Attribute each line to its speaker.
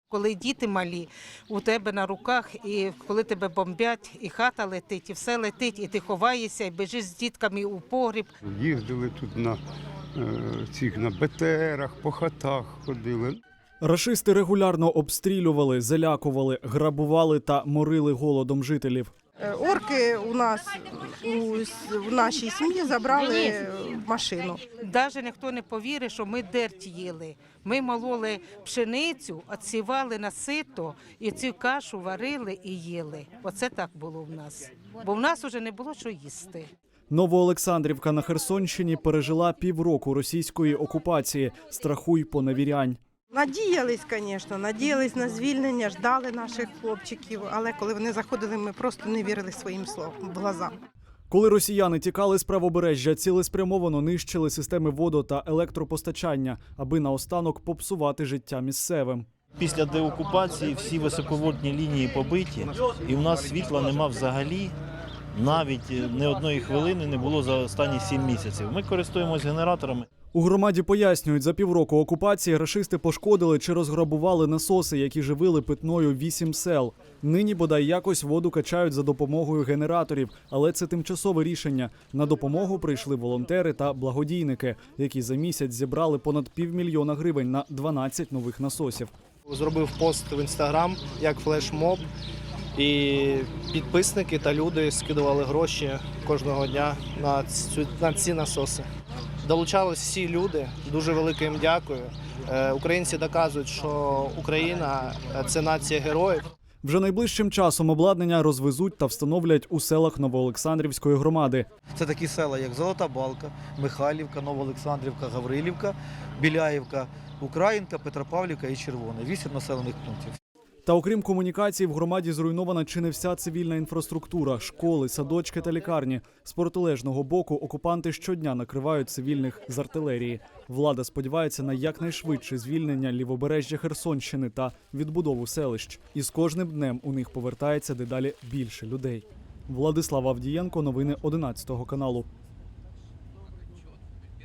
Speaker 1: Коли діти малі, у тебе на руках, і коли тебе бомбять, і хата летить, і все летить, і ти ховаєшся, і біжиш з дітками у погріб.
Speaker 2: Їздили тут на БТРах, по хатах ходили.
Speaker 3: Рашисти регулярно обстрілювали, залякували, грабували та морили голодом жителів.
Speaker 4: Орки у нас в нашій сім'ї забрали машину.
Speaker 1: Навіть ніхто не повірить, що ми дерть їли. Ми мололи пшеницю, відсівали на сито, і цю кашу варили і їли. Оце так було в нас. Бо в нас вже не було що їсти.
Speaker 3: Новоолександрівка на Херсонщині пережила півроку російської окупації. Страху й поневірянь.
Speaker 4: Надіялись, звісно, надіялись на звільнення, ждали наших хлопчиків, але коли вони заходили, ми просто не вірили своїм глазам.
Speaker 3: Коли росіяни тікали з правобережжя, цілеспрямовано нищили системи водо- та електропостачання, аби наостанок попсувати життя місцевим.
Speaker 5: Після деокупації всі високовольтні лінії побиті, і в нас світла нема взагалі. Навіть ні одної хвилини не було за останні 7 місяців. Ми користуємось генераторами.
Speaker 3: У громаді пояснюють, за півроку окупації рашисти пошкодили чи розграбували насоси, які живили питною 8 сел. Нині, бодай якось, воду качають за допомогою генераторів, але це тимчасове рішення. На допомогу прийшли волонтери та благодійники, які за місяць зібрали понад 500 000 гривень на 12 нових насосів.
Speaker 6: Зробив пост в Інстаграм як флешмоб, і підписники та люди скидували гроші кожного дня на ці насоси. Долучались всі люди, дуже велике їм дякую. Українці доказують, що Україна – це нація героїв.
Speaker 3: Вже найближчим часом обладнання розвезуть та встановлять у селах Новоолександрівської громади.
Speaker 7: Це такі села, як Золота Балка, Михайлівка, Новоолександрівка, Гаврилівка, Біляївка, Українка, Петропавлівка і Червоне. 8 населених пунктів.
Speaker 3: Та окрім комунікацій, в громаді зруйнована чи не вся цивільна інфраструктура – школи, садочки та лікарні. З протилежного боку окупанти щодня накривають цивільних з артилерії. Влада сподівається на якнайшвидше звільнення лівобережжя Херсонщини та відбудову селищ. І з кожним днем у них повертається дедалі більше людей. Владислав Авдієнко, новини 11 каналу.